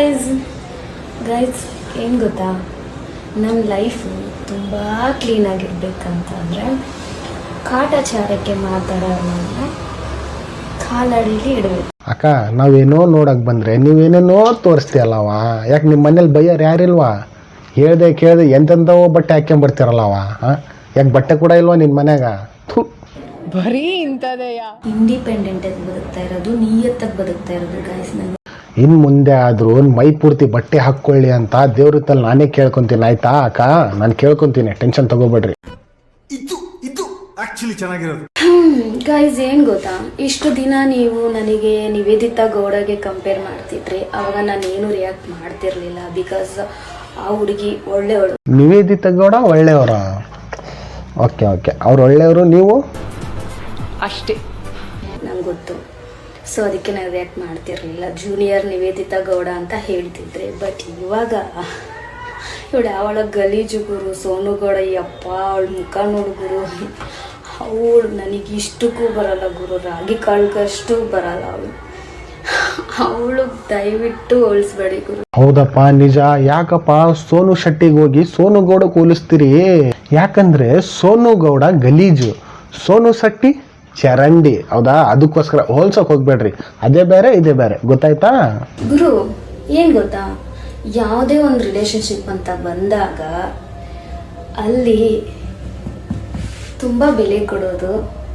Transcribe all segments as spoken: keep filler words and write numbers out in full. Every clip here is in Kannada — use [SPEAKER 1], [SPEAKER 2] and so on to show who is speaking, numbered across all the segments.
[SPEAKER 1] ಗೈಸ್ ಗೈಸ್ ಏನು ಗೊತ್ತಾ, ನಮ್ಮ ಲೈಫು ತುಂಬ ಕ್ಲೀನಾಗಿರ್ಬೇಕಂತಂದರೆ ಕಾಟಾಚಾರಕ್ಕೆ ಮಾತಾಡೋಣ ಕಾಲಡಿಲಿ ಇಡಬೇಕು.
[SPEAKER 2] ಅಕ್ಕ ನಾವೇನೋ ನೋಡಕ್ ಬಂದ್ರೆ ನೀವೇನೇನೋ ತೋರಿಸ್ತೀಯಲ್ಲವ. ಯಾಕೆ ನಿಮ್ಮ ಮನೇಲಿ ಬೈಯರ್ ಯಾರಿಲ್ವಾ? ಹೇಳ್ದೆ ಕೇಳ್ದೆ ಎಂತೆಂಥವೋ ಬಟ್ಟೆ ಹಾಕ್ಕೊಂಬರ್ತೀರಲ್ಲವ. ಹಾಂ ಯಾಕೆ ಬಟ್ಟೆ ಕೂಡ ಇಲ್ವಾ ನಿನ್ನ ಮನ್ಯಾಗ?
[SPEAKER 3] ಬರೀ ಇಂಥದೆಯಾ?
[SPEAKER 1] ಇಂಡಿಪೆಂಡೆಂಟಾಗಿ ಬದುಕ್ತಾ ಇರೋದು, ನಿಯತ್ತಾಗಿ ಬದುಕ್ತಾ ಇರೋದು ಗೈಸ್. ನಾನು
[SPEAKER 2] ಇನ್ನು ಮುಂದೆ ಆದರೂ ಮೈ ಪೂರ್ತಿ ಬಟ್ಟೆ ಹಾಕ್ಕೊಳ್ಳಿ ಅಂತ ದೇವ್ರ ತಲ್ಲಿ ನಾನೇ ಕೇಳ್ಕೊತೀನಿ, ಆಯ್ತಾ ಅಕ್ಕ? ನಾನು ಕೇಳ್ಕೊತೀನಿ, ಟೆನ್ಷನ್ ತಗೋಬೇಡ್ರಿ.
[SPEAKER 4] ಇದು ಇದು ಆಕ್ಚುಲಿ ಚೆನ್ನಾಗಿರೋದು.
[SPEAKER 1] ಗೈಸ್ ಏನು ಗೊತ್ತಾ, ಇಷ್ಟು ದಿನ ನೀವು ನನಗೆ ನಿವೇದಿತಾ ಗೌಡಗೆ ಕಂಪೇರ್ ಮಾಡ್ತಿದ್ರಿ. ಅವಾಗ ನಾನು ಏನು ರಿಯಾಕ್ಟ್ ಮಾಡ್ತಿರ್ಲಿಲ್ಲ, ಬಿಕಾಸ್ ಆ ಹುಡುಗಿ ಒಳ್ಳೆಯವಳು.
[SPEAKER 2] ನಿವೇದಿತಾ ಗೌಡ ಒಳ್ಳೆಯವರ? ಓಕೆ ಓಕೆ, ಅವ್ರು ಒಳ್ಳೆಯವರು, ನೀವು
[SPEAKER 3] ಅಷ್ಟೇ.
[SPEAKER 1] ನಂಗೆ ಗೊತ್ತು, ಸೊ ಅದಕ್ಕೆ ನಾನು ರಿಯಾಕ್ಟ್ ಮಾಡ್ತಿರ್ಲಿಲ್ಲ. ಜೂನಿಯರ್ ನಿವೇದಿತಾ ಗೌಡ ಅಂತ ಹೇಳ್ತಿದ್ರೆ. ಬಟ್ ಇವಾಗ ಇವಳು ಅವಳ ಗಲೀಜು ಗುರು ಸೋನು ಗೌಡ. ಯಪ್ಪ ಅವಳ ಮುಖ ನೋಡು ಗುರು, ಅವಳು ನನಗೆ ಇಷ್ಟಕ್ಕೂ ಬರಲ್ಲ ಗುರು, ರಾಗಿ ಕಾಳ್ಗಷ್ಟು ಬರಲ್ಲ ಅವಳು. ಅವಳು ದಯವಿಟ್ಟು ಹೋಲಿಸ್ಬೇಡಿ ಗುರು.
[SPEAKER 2] ಹೌದಪ್ಪ, ನಿಜ. ಯಾಕಪ್ಪ ಸೋನು ಶೆಟ್ಟಿಗೆ ಹೋಗಿ ಸೋನು ಗೌಡ ಹೋಲಿಸ್ತೀರಿ? ಯಾಕಂದ್ರೆ ಸೋನು ಗೌಡ ಗಲೀಜು, ಸೋನು ಶೆಟ್ಟಿ ಚರಂಡಿ, ಹೌದಾ? ಅದಕ್ಕೋಸ್ಕರ ಹೋಲ್ಸೋಕೆ ಹೋಗ್ಬೇಡ್ರಿ. ಅದೇ ಬೇರೆ ಇದೇ ಬೇರೆ, ಗೊತ್ತಾಯ್ತಾ
[SPEAKER 1] ಗುರು? ಏನು ಗೊತ್ತಾ, ಯಾವುದೇ ಒಂದು ರಿಲೇಶನ್ಶಿಪ್ ಅಂತ ಬಂದಾಗ ಅಲ್ಲಿ ತುಂಬ ಬೆಲೆ ಕೊಡೋದು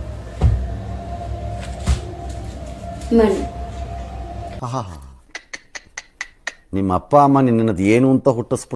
[SPEAKER 1] ಮಣ್ಣು.
[SPEAKER 5] ನಿಮ್ಮ ಅಪ್ಪ ಅಮ್ಮ ನಿನ್ನದು ಏನು ಅಂತ ಹುಟ್ಟಿಸ್ಬಿಟ್ಟು